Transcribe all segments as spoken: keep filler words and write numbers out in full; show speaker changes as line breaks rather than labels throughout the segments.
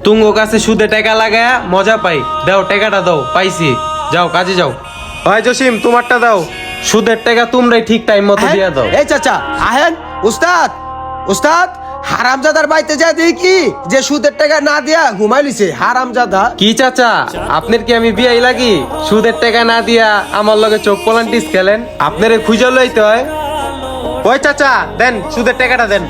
তুঙ্গ কাছে সুদে টাকা লাগায়া মজা পাই। দাও টাকাটা দাও, পাইছি। যাও কাজে যাও। ভাই জসিম তোমারটা দাও। সুদের টাকা তোমরাই ঠিক টাইম মতো দিয়া দাও।
এই চাচা আহেন। উস্তাদ উস্তাদ হারামজাদার বাড়িতে যায় দেখি যে সুদের টাকা না দিয়া ঘুমাই লিছে হারামজাদা।
কি চাচা আপনার কি আমি বিয়াই লাগি? সুদের টাকা না দিয়া আমার লগে চোখ পলান্টিস খেলেন? আপনারে খুঁজে লইতে হয়। ওই চাচা দেন সুদের টাকাটা দেন।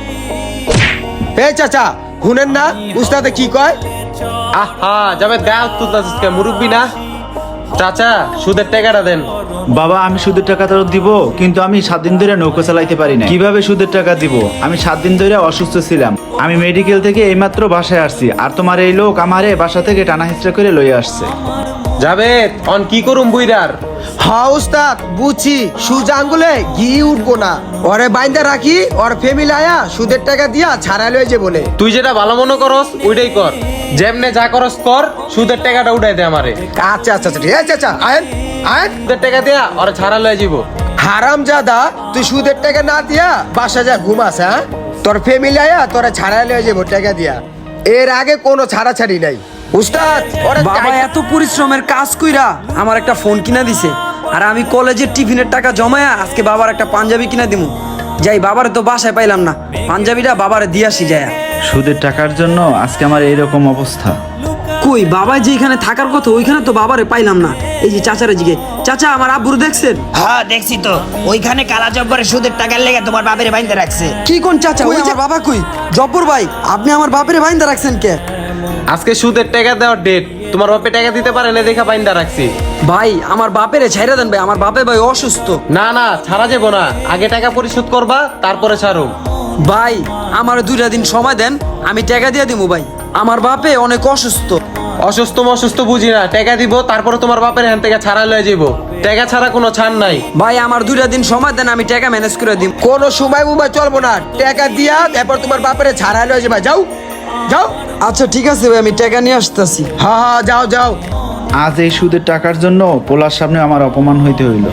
এই চাচা শুনেন না উস্তাদে কি কয়?
আহা যাবে গায়ে তুলতাছিস কে? মুরব্বি না? চাচা সুদের টাকাটা দেন।
বাবা আমি সুদের টাকা তো দিব, কিন্তু আমি সাত দিন ধরে নৌকা চালাইতে পারি না। কিভাবে সুদের টাকা দিব? আমি সাত দিন ধরে অসুস্থ ছিলাম। আমি মেডিকেল থেকে এইমাত্র বাসায় আসছি, আর তোমার এই লোক আমারে বাসা থেকে টানা হিচড়া করে লইয়া আসছে।
যাবে অন কি করুম বুইরার?
হ্যাঁ উস্তাদ বুঝছি, সুজা আঙ্গুলে ঘি উঠবো না। ওরে বাইন্দা রাখি, ওর ফ্যামিলি আয়া সুদের টাকা দিয়া ছাড়া লয়ে যে বলে।
তুই যেটা ভালো মনে করস ওইটাই কর। যেমনে যা করস কর, সুদের টাকাটা উঠাই দে আমারে।
আচ্ছা আচ্ছা আচ্ছা ঠিক আছে চাচা। আয়েন আয়েন।
সুদের টাকা দিয়া ওরা ছাড়া লয়ে যাবো।
হারামজাদা তুই সুদের টাকা না দিয়া বাসা যা ঘুমাস। হ্যাঁ তোর ফ্যামিলি আয়া তোরা ছাড়া লয়ে যাবো টাকা দিয়া। এর আগে কোনো ছাড়াছাড়ি নাই উস্তাদ। ওরে
বাবা এত পরিশ্রমের কাজ কইরা আমার একটা ফোন কিনা দিছে, আর আমি কলেজের টিফিনের টাকা জমায়া আজকে বাবার একটা পাঞ্জাবি কিনা দিমু। যাই বাবারে তো বাসায় পাইলাম না, পাঞ্জাবিটা বাবারে দিয়ে আসি যায়।
সুদের টাকার জন্য আজকে আমার এইরকম অবস্থা।
কই বাবা যেখানে থাকার কথা ওইখানে তো বাবারে পাইলাম না। এই যে চাচারে জিগে, চাচা আমার আব্বুর দেখছেন?
হ্যাঁ দেখছি তো, ওইখানে কালা জব্বরে সুদের টাকার লেগে তোমার বাপের বাইন্দা রাখছে।
কি কোন চাচা? ওই আমার বাবা কই? জব্বর ভাই আপনি আমার বাপেরে বাইন্দা রাখছেন কে?
আজকে সুদের টাকা দেওয়ার ডেট। তোমার বাপে টাকা দিতে পারে না দেখা বাইন্দা রাখছি।
ভাই আমার বাপেরে ছাইরা দেন ভাই, আমার বাপে ভাই অসুস্থ।
না না ছাড়া যাবো না, আগে টাকা পরিশোধ করবা তারপরে ছাড়ো।
ভাই আমার দুইটা দিন সময় দেন, আমি টাকা দিয়ে দিমু ভাই। আমার বাপে অনেক অসুস্থ।
অসুস্থ অসুস্থ বুঝি না, টাকা দিব তারপরে তোমার বাপের হ্যান থেকে ছাড়া লয়ে যাবো। টাকা ছাড়া কোনো ছাড় নাই।
ভাই আমার দুইটা দিন সময় দেন, আমি টাকা ম্যানেজ করে দিম।
কোনো সময় মুম্বাই চলবো না, টাকা দিয়া এরপর তোমার বাপের ছাড়া লয়ে যাবা। যাও যাও।
আচ্ছা ঠিক আছে ভাই, আমি টাকা নিয়ে আসতেছি।
হ্যাঁ হ্যাঁ যাও যাও।
আজ এই সুদের টাকার জন্য পোলার সামনে আমার অপমান হইতে হইল।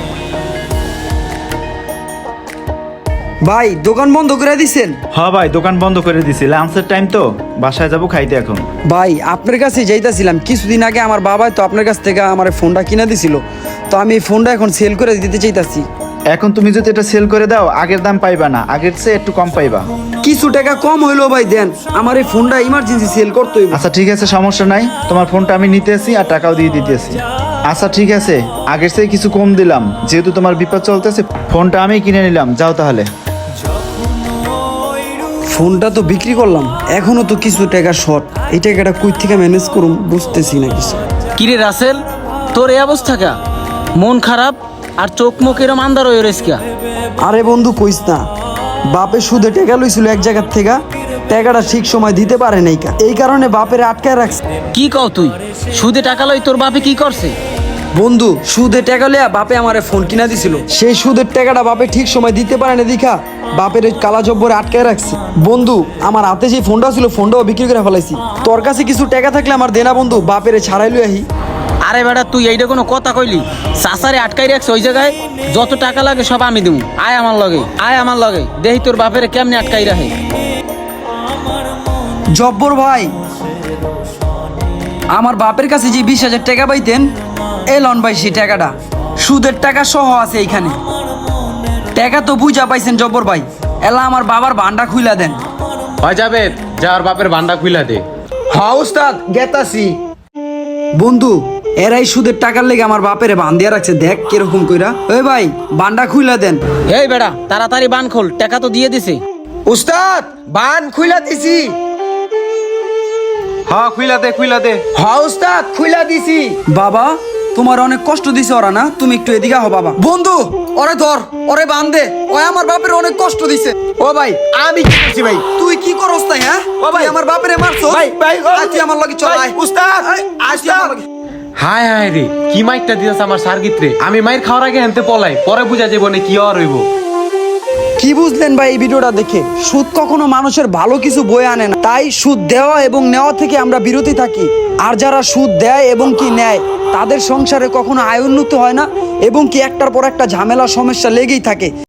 ভাই দোকান বন্ধ করে দিছেন?
হ্যাঁ ভাই দোকান বন্ধ করে দিছি, লাঞ্চের টাইম তো, বাসায় যাবো খাইতে এখন।
ভাই আপনার কাছে যাইতাছিলাম, কিছুদিন আগে আমার বাবা তো আপনার কাছ থেকে আমার ফোনটা কিনে দিছিল, তো আমি এই ফোনটা এখন সেল করে দিতে চাইতাছি।
এখন তুমি যদি এটা সেল করে দাও আগের দাম পাইবা না, আগের চেয়ে একটু কম পাইবা।
কিছু টাকা কম হইলো ভাই দেন, আমার এই ফোনটা ইমার্জেন্সি সেল করতে হইব।
আচ্ছা ঠিক আছে সমস্যা নাই, তোমার ফোনটা আমি নিতেছি আর টাকাও দিয়ে দিতেছি। আচ্ছা ঠিক আছে, আগের চেয়ে কিছু কম দিলাম, যেহেতু তোমার বিপদ চলতেছে ফোনটা আমি কিনে নিলাম। যাও তাহলে।
ফোনটা তো বিক্রি করলাম, এখনো তো কিছু টাকা শর্ট। এই টাকাটা কই থেকে ম্যানেজ করুম বুঝতেছি না কিছু।
কিরে রাসেল, তোর এই অবস্থা কা? মন খারাপ আর চোখ মুখ এরম আন্দার হয়ে রয়েছে কা?
আরে বন্ধু কইস না, বাপে সুদে টাকা লইছিল এক জায়গার থেকে, টাকাটা ঠিক সময় দিতে পারে নাই কা, এই কারণে বাপের আটকায় রাখছে।
কি কও তুই? সুদে টাকা লই তোর বাপে কি করছে?
বন্ধু সুদে টাকা লইয়া বাপে আমারে ফোন কিনা দিছিল, সেই সুদের টাকাটা বাপে ঠিক সময় দিতে পারে না দেখা বাপের ওই কালা জব্বরে আটকায় রাখছে। বন্ধু আমার হাতে যে ফোনটা ছিল ফোনটাও বিক্রি করে ফেলাইছি। তোর কাছে কিছু টাকা থাকলে আমার দেনা বন্ধু, বাপেরে ছাড়াই লই আহি।
আরে বেটা তুই এইটা কোনো কথা কইলি? সাসারে আটকাই রাখছে ওই জায়গায়, যত টাকা লাগে সব আমি দেবো। আয় আমার লগে, আয় আমার লগে, দেখি তোর বাপেরে কেমনে আটকাই রাখে।
জব্বর ভাই আমার বাপের কাছে যে বিশ হাজার টাকা পাইতেন, এ লন ভাই সেই টাকাটা, সুদের টাকা সহ আছে এইখানে। টাকা তো বুঝা পাইছেন জব্বর ভাই, এলা আমার বাবার ভান্ডা খুইলা দেন।
হয় যাবে যা আর বাপের ভান্ডা খুইলা দে।
হ্যাঁ উস্তাদ গেতাছি।
বন্ধু এরাই সুদের টাকার লেগে আমার বাপেরে বান দিয়া রাখছে, দেখ কিরকম কইরা। ওই ভাই বান্ডা খুইলা দেন।
এই বেটা তাড়াতাড়ি বান খোল, টাকা তো দিয়ে দিছে।
উস্তাদ বান খুইলা দিছি।
হ্যাঁ খুইলা দে খুইলা দে।
হ্যাঁ উস্তাদ খুইলা দিছি।
বাবা তোমার অনেক কষ্ট দিছে ওরা না, তুমি একটু এদিকে হও বাবা। বন্ধু ওরে ধর, ওরে বান দে, ও আমার বাপের অনেক কষ্ট দিছে।
ও ভাই আমি কি করছি ভাই?
তুই কি করস তাই? হ্যাঁ
ও ভাই,
তুই আমার বাপেরে মারছো
ভাই ভাই ও
আজ তুই আমার লগে চল।
ভাই,
আয়
উস্তাদ
আয়, আজ তুই আমার লগে।
হায় হায় রে কি মাইরটা দিয়েছে আমার সার্গিত্রে। আমি মাইর খাওয়ার আগে হেনতে পলাই, পরে বুঝা যাবো না কি আর হইব।
কি বুঝলেন ভাই এই ভিডিওটা দেখে? সুদ কখনো মানুষের ভালো কিছু বয়ে আনে না, তাই সুদ দেওয়া এবং নেওয়া থেকে আমরা বিরতি থাকি। আর যারা সুদ দেয় এবং কি নেয় তাদের সংসারে কখনো আয় উন্নত হয় না, এবং কি একটার পর একটা ঝামেলা সমস্যা লেগেই থাকে।